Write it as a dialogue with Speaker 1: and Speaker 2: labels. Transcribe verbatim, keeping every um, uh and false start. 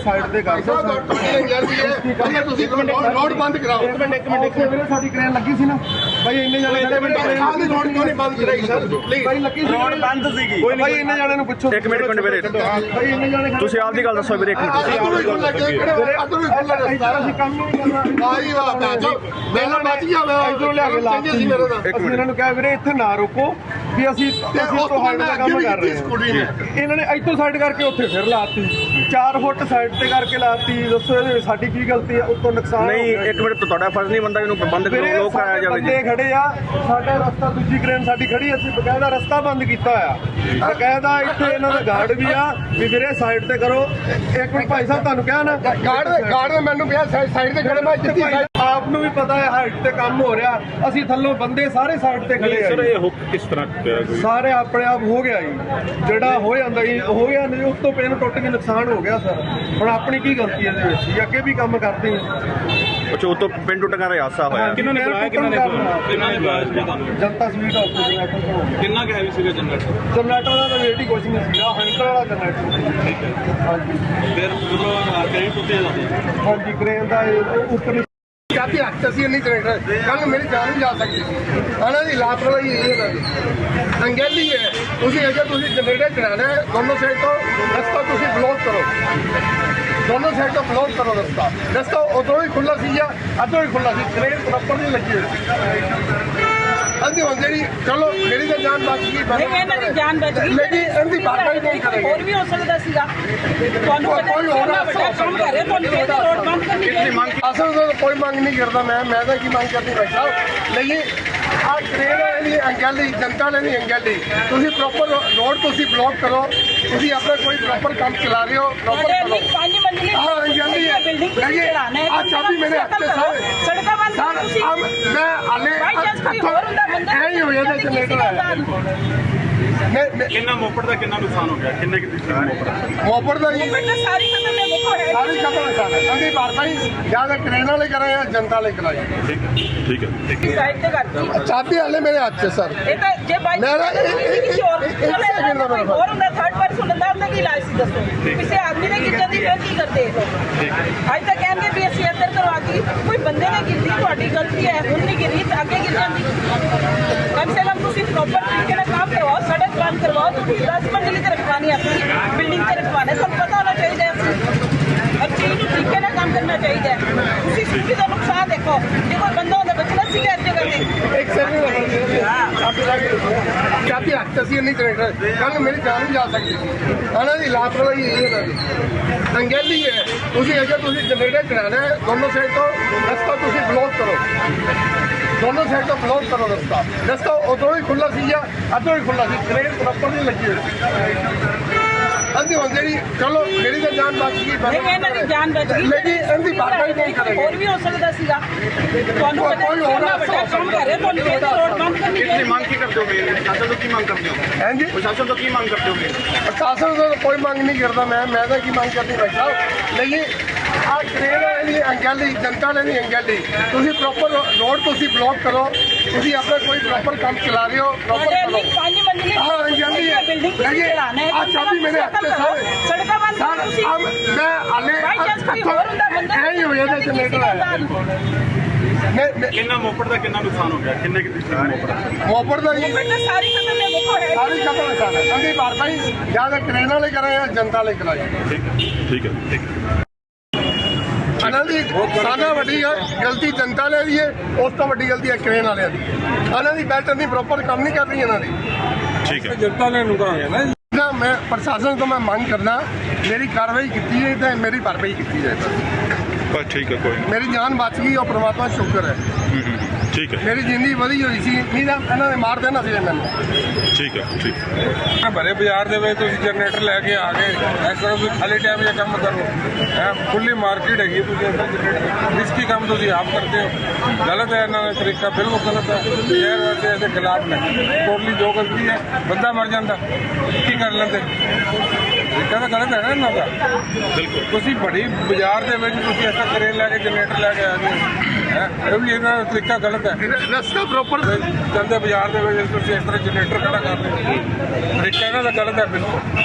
Speaker 1: Side ਤੇ ਕਰ ਦਿਓ।
Speaker 2: ਰੋਡ ਬੰਦ ਕਰਾਓ।
Speaker 1: ਇੱਕ ਮਿੰਟ ਇੱਕ ਮਿੰਟ ਇੱਕ ਮਿੰਟ ਸਾਡੀ ਕ੍ਰੇਨ ਲੱਗੀ ਸੀ ਨਾ ਭਾਈ, ਇੰਨੇ ਜਾਣੇ
Speaker 2: ਰੋਡ ਕਿਉਂ ਨਹੀਂ ਬੰਦ ਕਰਾਈ ਸਰ?
Speaker 1: ਭਾਈ ਲੱਗੀ ਸੀ, ਰੋਡ ਬੰਦ ਸੀਗੀ ਭਾਈ, ਇੰਨੇ ਜਾਣੇ ਨੂੰ ਪੁੱਛੋ।
Speaker 3: ਇੱਕ ਮਿੰਟ ਇੱਕ ਮਿੰਟ ਵੀਰੇ,
Speaker 1: ਭਾਈ ਇੰਨੇ ਜਾਣੇ
Speaker 3: ਤੁਸੀਂ ਆਪ ਦੀ ਗੱਲ ਦੱਸੋ ਵੀਰੇ। ਇੱਕ ਮਿੰਟ
Speaker 2: ਅਦੋਂ ਵੀ ਖੁੱਲਾ ਗਿਆ, ਅਦੋਂ ਵੀ ਖੁੱਲਾ ਰਸਤਾ।
Speaker 1: ਅਸੀਂ ਕੰਮ ਨਹੀਂ ਕਰਨਾ।
Speaker 2: ਆਹੀ ਵਾਹ ਬਾਜੀ ਮੈਨੂੰ ਬਚ ਗਿਆ। ਮੈਂ
Speaker 1: ਇਧਰੋਂ ਲਿਆ ਕੇ ਲਾਤੀ ਸੀ ਮੇਰੇ ਦਾ। ਅਸੀਂ ਇਹਨਾਂ ਨੂੰ ਕਿਹਾ ਵੀਰੇ ਇੱਥੇ ਨਾ ਰੁਕੋ ਵੀ ਅਸੀਂ ਅਸੀਂ ਤੁਹਾਡੇ ਦਾ ਕੰਮ ਕਰ ਰਹੇ ਹਾਂ। ਇਹਨਾਂ ਨੇ ਇੱਥੋਂ ਸਾਈਡ ਕਰਕੇ ਉੱਥੇ ਫਿਰ ਲਾਤੀ, ਚਾਰ ਫੁੱਟ ਸਾਈਡ ਤੇ ਕਰਕੇ ਲਾਤੀ। ਦੱਸੋ ਇਹਦੇ ਵਿੱਚ ਸਾਡੀ ਕੀ ਗਲਤੀ ਹੈ? ਉੱਤੋਂ ਨੁਕਸਾਨ
Speaker 3: ਨਹੀਂ, ਇੱਕ ਮਿੰਟ, ਤੁਹਾਡਾ ਫਰਜ਼ ਨਹੀਂ ਬੰਦਾ ਇਹਨੂੰ ਬੰਦ ਕਰੋ, ਲੋਕ ਕਰਾਇਆ ਜਾਵੇ ਜੀ।
Speaker 1: ਬੰਦੇ ਖੜੇ ਆ, ਸਾਡਾ ਰਸਤਾ ਦੂਜੀ ਕ੍ਰੇਨ ਸਾਡੀ ਖੜੀ, ਅਸੀਂ ਬਕਾਇਦਾ ਰਸਤਾ ਬੰਦ ਕੀਤਾ ਹੋਇਆ। ਬਕਾਇਦਾ ਇੱਥੇ ਇਹਨਾਂ ਦਾ ਗਾਰਡ ਵੀ ਆ ਵੀ ਵੀਰੇ ਸਾਈਡ ਤੇ ਕਰੋ। ਇੱਕ ਮਿੰਟ ਭਾਈ ਸਾਹਿਬ, ਤੁਹਾਨੂੰ ਕਿਹਾ ਨਾ
Speaker 2: ਗਾਰਡ ਗਾਰਡ ਨੇ ਮੈਨੂੰ ਕਿਹਾ ਸਾਈਡ ਤੇ ਖੜੇ। ਮੈਂ ਜਿੱਤੀ
Speaker 1: ਆਪ ਨੂੰ ਵੀ ਪਤਾ ਹੈ ਹਾਈਟ ਤੇ ਕੰਮ ਹੋ ਰਿਹਾ, ਅਸੀਂ ਥੱਲੋਂ ਬੰਦੇ ਸਾਰੇ ਸਾਈਡ ਤੇ ਖੜੇ ਆ।
Speaker 4: ਸਰ ਇਹ ਹੁੱਕ ਕਿਸ ਤਰ੍ਹਾਂ ਪਿਆ ਕੋਈ?
Speaker 1: ਸਾਰੇ ਆਪਣੇ ਆਪ ਹੋ ਗਿਆ ਜੀ, ਜਿਹੜਾ ਹੋ ਜਾਂਦਾ ਜੀ ਹੋ ਗਿਆ, ਨਹੀਂ ਉਸ ਤੋਂ ਪੈਨ ਟੁੱਟ ਕੇ ਨੁਕਸਾਨ ਹੋ ਗਿਆ ਸਰ। ਹੁਣ ਆਪਣੀ ਕੀ ਗਲਤੀ ਹੈ ਇਹਦੇ ਵਿੱਚ ਜੀ? ਅੱਗੇ ਵੀ ਕੰਮ ਕਰਦੇ ਹਾਂ।
Speaker 3: ਅੱਛਾ, ਉਹ ਤੋਂ ਪਿੰਡ ਟੁੱਟਣ ਦਾ ਹਾਦਸਾ ਹੋਇਆ।
Speaker 4: ਕਿਹਨਾਂ ਨੇ ਬੁਲਾਇਆ? ਕਿਹਨਾਂ ਨੇ ਕਿਹਨਾਂ ਨੇ ਬੁਲਾਇਆ ਸੀ ਤੁਹਾਨੂੰ?
Speaker 1: ਜਨਤਾ ਸਵੀਟ ਆਫਿਸ
Speaker 4: ਕਿੰਨਾ ਕੁ ਹੈਵੀ ਸੀਗਾ ਜਨਰੇਟਰ?
Speaker 1: ਜਨਰੇਟਰ ਦਾ ਤਾਂ ਵੇਟ ਹੀ ਕੁਛ ਨਹੀਂ ਸੀਗਾ, ਹੈਂਡਲ ਵਾਲਾ ਜਨਰੇਟਰ।
Speaker 4: ਠੀਕ ਹੈ।
Speaker 1: ਹਾਂਜੀ
Speaker 4: ਫਿਰ ਜਦੋਂ ਕਈ ਟੁੱਟੇ ਜਾਂਦੇ
Speaker 1: ਹਾਂਜੀ, ਕ੍ਰੇਨ ਦਾ ਇਹ ਉੱਪਰ
Speaker 2: ਜਾਤੀ ਹੱਥ ਅਸੀਂ ਨਹੀਂ ਜਨਰੇਟਰ, ਕੱਲ ਮੇਰੀ ਜਾਨ ਵੀ ਜਾ ਸਕਦੀ ਸੀ। ਇਹਨਾਂ ਦੀ ਲਾਪਰਵਾਹੀ ਇਹ ਇਹਨਾਂ ਦੀ ਅੰਗੈਲੀ ਹੈ। ਤੁਸੀਂ ਅਗਰ ਤੁਸੀਂ ਜਨਰੇਟਰ ਚਲਾਣਾ ਹੈ, ਦੋਨੋਂ ਸਾਈਡ ਤੋਂ ਰਸਤਾ ਤੁਸੀਂ ਬਲੌਕ ਕਰੋ, ਦੋਨੋਂ ਸਾਈਡ ਤੋਂ ਬਲੌਕ ਕਰੋ ਰਸਤਾ। ਰਸਤਾ ਉਧਰੋਂ ਹੀ ਖੁੱਲਾ ਸੀ ਜਾਂ ਅੱਧਰੋਂ ਹੀ ਖੁੱਲਾ ਸੀ, ਕ੍ਰੇਨ ਪ੍ਰੋਪਰ ਨਹੀਂ ਲੱਗੀ ਹੋਈ ਸੀ। ਅੰਦੀ ਹੁਣ ਜਿਹੜੀ ਚਲੋ ਮੇਰੀ ਤਾਂ ਜਾਨ ਬਚ ਗਈ,
Speaker 5: ਨਹੀਂ ਇਹਨਾਂ ਦੀ ਜਾਨ ਬਚ ਗਈ,
Speaker 2: ਲੇਕਿਨ ਇਹਦੀ ਭਰਪਾਈ ਨਹੀਂ ਕਰੇਗੀ।
Speaker 5: ਹੋਰ ਵੀ ਹੋ ਸਕਦਾ ਸੀਗਾ। ਤੁਹਾਨੂੰ ਪਤਾ
Speaker 2: ਕੋਈ
Speaker 5: ਨਹੀਂ
Speaker 2: ਹੋਰ
Speaker 5: ਕਿੰਨਾ ਵੱਡਾ ਕੰਮ ਕਰ ਰਿਹਾ, ਤੁਹਾਨੂੰ ਇਹਦੀ ਰੋਡ ਬੰਦ ਕਰਨੀ ਚਾਹੀਦੀ।
Speaker 2: ਅਸਲ ਤੋਂ ਕੋਈ ਮੰਗ ਨਹੀਂ ਕਰਦਾ ਮੈਂ ਮੈਂ ਤਾਂ ਕੀ ਮੰਗ ਕਰਦੀ ਭਾਈ ਸਾਹਿਬ। ਲੇਕਿਨ ਆ ਟ੍ਰੇਨ ਵਾਲੀ ਅੰਗੈਲੀ, ਜਨਤਾ ਵਾਲੀ ਅੰਗੈਲੀ, ਤੁਸੀਂ ਪ੍ਰੋਪਰ ਰੋਡ ਤੁਸੀਂ ਬਲੌਕ ਕਰੋ। ਤੁਸੀਂ ਆਪਣਾ ਕੋਈ ਪ੍ਰੋਪਰ ਕੰਮ ਚਲਾ ਰਹੇ ਹੋ, ਪ੍ਰੋਪਰ ਕਰੋ।
Speaker 5: ਪੰਜ ਮੰਜ਼ਿਲੀ
Speaker 2: ਹਾਂ ਅੰਗੈਲੀ ਹੈ,
Speaker 5: ਬਿਲਡਿੰਗ ਤੁਸੀਂ ਚਲਾਣਾ ਹੈ।
Speaker 2: ਆ ਚਾਬੀ ਮੇਰੇ ਹੱਥ ਤੇ ਸਰ
Speaker 5: ਸੜਕਾਂ ਬੰਦ ਕਰੋ
Speaker 2: ਸਰ।
Speaker 5: ਤੁਸੀਂ।
Speaker 2: ਅਬ ਮੈਂ ਹਾਲੇ
Speaker 5: ਬਾਈ ਚਾਂਸ ਕੋਈ ਹੋਰ ਹੁੰਦਾ ਬੰਦਾ
Speaker 2: ਐ ਹੀ ਹੋ ਜਾਂਦਾ ਜਨਰੇਟਰ ਆਇਆ। ਮੈਂ ਮੈਂ-
Speaker 4: ਕਿੰਨਾ ਮੋਪੜ ਦਾ ਕਿੰਨਾ ਨੁਕਸਾਨ ਹੋ ਗਿਆ? ਕਿੰਨੇ ਕਿੰਨੇ ਮੋਪੜ
Speaker 2: ਮੋਪੜ ਦਾ ਜੀ
Speaker 5: ਬੇਟਾ ਸਾਰੀ ਖਤਮ ਹੈ, ਦੇਖੋ ਹੈ
Speaker 2: ਸਾਰੀ ਖਤਮ ਹੈ ਸਰ। ਅੰਦੀ ਭਰਪਾਈ ਜਾਂ ਤਾਂ ਕ੍ਰੇਨ ਵਾਲੇ ਕਰਾਂ ਜਾਂ ਜਨਤਾ ਵਾਲੇ ਕਰਾਈ।
Speaker 4: ਠੀਕ ਹੈ ਠੀਕ ਹੈ ਠੀਕ ਹੈ।
Speaker 5: ਸਾਈਡ ਤੇ ਕਰਤੀ।
Speaker 2: ਚਾਬੀ ਹਾਲੇ ਮੇਰੇ ਹੱਥ 'ਚ ਸਰ।
Speaker 5: ਇਹ ਤਾਂ ਜੇ ਬਾਈ
Speaker 2: ਮੇਰਾ ਇਹ- ਇਹ-
Speaker 5: ਕਿਸੇ ਹੋਰ
Speaker 2: ਇੱਕ second ਦਾ ਮੇਰਾ
Speaker 5: ਹੋਰ ਹੁੰਦਾ ਥਰਡ ਪਰਸਨ ਹੁੰਦਾ, ਉਹਦਾ ਕੀ ਇਲਾਜ ਸੀ ਦੱਸੋ? ਕਿਸੇ ਆਦਮੀ ਨੇ ਗਿਰ ਜਾਂਦੀ ਫਿਰ ਕੀ ਕਰਦੇ ਇਹ ਲੋਕ? ਅੱਜ ਤਾਂ ਕਹਿੰਦੇ ਵੀ ਅਸੀਂ ਇੱਧਰ ਕਰਵਾਤੀ, ਕੋਈ ਬੰਦੇ ਨੇ ਗਿਰਦੀ, ਤੁਹਾਡੀ ਗਲਤੀ ਹੈ, ਹੁਣ ਨਹੀਂ ਗਿਰੀ ਤਾਂ ਅੱਗੇ ਗਿਰ ਜਾਂਦੀ। ਕਮ ਸੇ ਕਮ ਤੁਸੀਂ ਪ੍ਰੋਪਰ ਤਰੀਕੇ ਨਾਲ ਕੰਮ ਕਰਵਾਓ, ਸੜਕ ਬੰਦ ਕਰਵਾਓ। ਤੁਸੀਂ ਦਸ ਮੰਜ਼ਿਲ ਤੇ ਰਖਵਾਣੀ ਆਪਣੀ ਬਿਲਡਿੰਗ ਤੇ ਰਖਵਾਣਾ, ਤੁਹਾਨੂੰ ਪਤਾ ਹੋਣਾ ਚਾਹੀਦਾ ਹੈ। ਹਰ ਚੀਜ਼ ਨੂੰ ਤਰੀਕੇ ਨਾਲ ਕੰਮ ਕਰਨਾ ਚਾਹੀਦਾ ਹੈ। ਤੁਸੀਂ ਸਿੱਧੀ ਦਾ ਨੁਕਸਾਨ ਦੇਖੋ, ਜੇ ਕੋਈ ਬੰਦਾ ਹੁੰਦਾ ਬਚਣਾ ਸੀਗਾ ਇਸ ਜਗ੍ਹਾ ਤੇ।
Speaker 2: ਇੱਕ ਸੈਕਿੰਡ ਚਾਬੀ ਹੱਥ 'ਚ ਅਸੀਂ ਨਹੀਂ ਜਨਰੇਟਰ, ਕੱਲ ਮੇਰੀ ਜਾਨ ਵੀ ਜਾ ਸਕਦੀ ਸੀ। ਇਹਨਾਂ ਦੀ ਲਾਪਰਵਾਹੀ ਇਹ ਇਹਨਾਂ ਦੀ ਅੰਗੈਲੀ ਹੈ। ਤੁਸੀਂ ਅਗਰ ਤੁਸੀਂ ਜਨਰੇਟਰ ਚਲਾਣਾ ਹੈ, ਦੋਨੋਂ ਸਾਈਡ ਤੋਂ ਰਸਤਾ ਤੁਸੀਂ ਬਲੌਕ ਕਰੋ, ਦੋਨੋਂ ਸਾਈਡ ਤੋਂ ਬਲੌਕ ਕਰੋ ਰਸਤਾ। ਰਸਤਾ ਉਧਰੋਂ ਹੀ ਖੁੱਲਾ ਸੀ ਜਾਂ ਅੱਧਰੋਂ ਹੀ ਖੁੱਲਾ ਸੀ, ਕ੍ਰੇਨ ਪ੍ਰੋਪਰ ਨਹੀਂ ਲੱਗੀ ਹੋਈ ਸੀ। ਅੰਦੀ ਹੁਣ ਜਿਹੜੀ ਚਲੋ ਮੇਰੀ ਤਾਂ ਜਾਨ ਬਚ ਗਈ,
Speaker 5: ਨਹੀਂ ਇਹਨਾਂ ਦੀ ਜਾਨ ਬਚ ਗਈ,
Speaker 2: ਲੇਕਿਨ ਇਹਦੀ ਭਰਪਾਈ ਨਹੀਂ ਕਰੇਗੀ।
Speaker 5: ਹੋਰ ਵੀ ਹੋ ਸਕਦਾ ਸੀਗਾ। ਤੁਹਾਨੂੰ ਪਤਾ
Speaker 2: ਕੋਈ
Speaker 5: ਨਹੀਂ
Speaker 2: ਹੋਰ
Speaker 5: ਕਿੰਨਾ ਵੱਡਾ ਕੰਮ ਕਰ ਰਿਹਾ, ਤੁਹਾਨੂੰ ਇਹਦੀ ਰੋਡ ਬੰਦ ਕਰਨੀ
Speaker 3: ਤੁਸੀਂ
Speaker 5: ਚਾਹੀਦੀ।
Speaker 3: ਮੰਗ ਕੀ ਕਰਦੇ ਹੋ? ਮੇਰੇ ਪ੍ਰਸ਼ਾਸਨ ਤੋਂ ਕੀ ਮੰਗ ਕਰਦੇ ਹੋ?
Speaker 2: ਹਾਂਜੀ
Speaker 3: ਪ੍ਰਸ਼ਾਸਨ ਤੋਂ ਕੀ ਮੰਗ ਕਰਦੇ ਹੋ?
Speaker 2: ਪ੍ਰਸ਼ਾਸਨ ਤੋਂ ਕੋਈ ਮੰਗ ਨਹੀਂ ਕਰਦਾ ਮੈਂ ਮੈਂ ਤਾਂ ਕੀ ਮੰਗ ਕਰਦੀ ਭਾਈ ਸਾਹਿਬ। ਲੇਕਿਨ ਆ ਟ੍ਰੇਨ ਵਾਲੀ ਅੰਗੈਲੀ, ਜਨਤਾ ਵਾਲੀ ਅੰਗੈਲੀ, ਤੁਸੀਂ ਪ੍ਰੋਪਰ ਰੋਡ ਤੁਸੀਂ ਬਲੌਕ ਕਰੋ। ਤੁਸੀਂ ਆਪਣਾ ਕੋਈ ਪ੍ਰੋਪਰ ਕੰਮ ਚਲਾ ਰਹੇ ਹੋ, ਪ੍ਰੋਪਰ ਕਰੋ।
Speaker 5: ਪੰਜ ਮੰਜ਼ਿਲੀ
Speaker 2: ਹਾਂ ਅੰਗੈਲੀ ਹੈ,
Speaker 5: ਬਿਲਡਿੰਗ ਤੁਸੀਂ ਚਲਾਣਾ ਹੈ।
Speaker 2: ਆ ਚਾਬੀ ਮੇਰੇ ਹੱਥ 'ਚ ਸਰ।
Speaker 5: ਸੜਕਾਂ ਬੰਦ ਕਰੋ
Speaker 2: ਸਰ
Speaker 5: ਤੁਸੀਂ।
Speaker 2: ਅਬ ਮੈਂ ਹਾਲੇ
Speaker 5: ਬਾਈ ਚਾਂਸ ਕੋਈ ਹੋਰ ਹੁੰਦਾ ਬੰਦਾ
Speaker 2: ਐ ਹੀ ਹੋ ਜਾਂਦਾ ਜਨਰੇਟਰ ਆਇਆ। ਮੈਂ ਮੈਂ-
Speaker 4: ਕਿੰਨਾ ਮੋਪੜ ਦਾ ਕਿੰਨਾ ਨੁਕਸਾਨ ਹੋ ਗਿਆ? ਕਿੰਨੇ ਕਿੰਨੇ ਮੋਪੜ?
Speaker 2: ਮੋਪੜ ਦਾ ਜੀ
Speaker 5: ਬੇਟਾ ਸਾਰੀ ਖਤਮ ਹੈ, ਦੇਖੋ ਹੈ
Speaker 2: ਸਾਰੀ ਖਤਮ ਹੈ ਸਰ। ਅੰਦੀ ਭਰਪਾਈ ਜਾਂ ਤਾਂ ਕ੍ਰੇਨ ਵਾਲੇ ਕਰਾਂ ਜਾਂ ਜਨਤਾ ਵਾਲੇ ਕਰਾਈ।
Speaker 4: ਠੀਕ ਹੈ ਠੀਕ ਹੈ ਠੀਕ ਹੈ।
Speaker 2: ਇਹਨਾਂ ਦੀ ਸਾਡਾ ਵੱਡੀ ਗਲਤੀ ਜਨਤਾ ਵਾਲਿਆਂ ਦੀ ਹੈ, ਉਸ ਤੋਂ ਵੱਡੀ ਗਲਤੀ ਹੈ ਕ੍ਰੇਨ ਵਾਲਿਆਂ ਦੀ। ਇਹਨਾਂ ਦੀ ਬੈਲਟ ਨਹੀਂ ਪ੍ਰੋਪਰ ਕੰਮ ਨਹੀਂ ਕਰ ਰਹੀ ਇਹਨਾਂ ਦੀ।
Speaker 4: ਠੀਕ ਹੈ।
Speaker 2: ਜਨਤਾ ਨੇ ਨੁਕਸਾਨ ਨਾ ਨਾ ਮੈਂ ਪ੍ਰਸ਼ਾਸਨ ਤੋਂ ਮੈਂ ਮੰਗ ਕਰਦਾ ਮੇਰੀ ਕਾਰਵਾਈ ਕੀਤੀ ਹੈ ਤੇ ਮੇਰੀ ਭਰਪਾਈ ਕੀਤੀ ਜਾਏ।
Speaker 4: ਬਸ ਠੀਕ ਹੈ, ਕੋਈ
Speaker 2: ਮੇਰੀ ਜਾਨ ਬਚ ਗਈ, ਉਹ ਪ੍ਰਮਾਤਮਾ ਦਾ ਸ਼ੁਕਰ ਹੈ।
Speaker 4: ਨਹੀਂ। ਠੀਕ ਹੈ
Speaker 2: ਮੇਰੀ ਜ਼ਿੰਦਗੀ ਵਧੀ ਹੋਈ ਸੀ, ਨਹੀਂ ਤਾਂ ਇਹਨਾਂ ਨੇ ਮਾਰ ਦੇਣਾ ਸੀ ਮੈਨੂੰ।
Speaker 4: ਠੀਕ ਹੈ ਠੀਕ ਹੈ।
Speaker 6: ਭਰੇ ਬਾਜ਼ਾਰ ਦੇ ਵਿੱਚ ਤੁਸੀਂ ਜਨਰੇਟਰ ਲੈ ਕੇ ਆ ਗਏ, ਇਸ ਤਰ੍ਹਾਂ ਤੁਸੀਂ ਖਾਲੀ ਟਾਈਮ 'ਚ ਕੰਮ ਕਰੋ। ਹੈ ਖੁੱਲੀ ਮਾਰਕੀਟ ਹੈਗੀ, ਤੁਸੀਂ ਇਸ ਤਰ੍ਹਾਂ ਰਿਸਕੀ ਕੰਮ ਤੁਸੀਂ ਆਪ ਕਰਦੇ ਹੋ। ਗਲਤ ਹੈ ਇਹਨਾਂ ਦਾ ਤਰੀਕਾ, ਬਿਲਕੁਲ ਗਲਤ ਹੈ। ਸ਼ਹਿਰ ਵਾਸਤੇ ਇਹਦੇ ਖਿਲਾਫ ਨੇ। ਟੋਟਲੀ ਜੋ ਗਲਤੀ ਹੈ, ਬੰਦਾ ਮਰ ਜਾਂਦਾ, ਕੀ ਕਰ ਲੈਂਦੇ? ਤਰੀਕਾ ਤਾਂ ਗਲਤ ਹੈ ਨਾ ਇਹਨਾਂ ਦਾ।
Speaker 4: ਬਿਲਕੁਲ।
Speaker 6: ਤੁਸੀਂ ਬੜੀ ਬਾਜ਼ਾਰ ਦੇ ਵਿੱਚ ਤੁਸੀਂ ਐਸਾ ਕਰੇਨ ਲੈ ਕੇ ਜਨਰੇਟਰ ਲੈ ਕੇ ਆ ਗਏ, ਹੈ ਇਹ ਵੀ ਇਹਨਾਂ ਦਾ ਤਰੀਕਾ ਗਲਤ ਹੈ।
Speaker 2: ਰਸਤਾ ਪ੍ਰੋਪਰ
Speaker 6: ਜਾਂਦੇ ਬਾਜ਼ਾਰ ਦੇ ਵਿੱਚ ਤੁਸੀਂ ਇਸ ਤਰ੍ਹਾਂ ਜਨਰੇਟਰ ਖੜਾ ਕਰ ਰਹੇ ਹੋ, ਤਰੀਕਾ ਇਹਨਾਂ ਦਾ ਗਲਤ ਹੈ ਬਿਲਕੁਲ।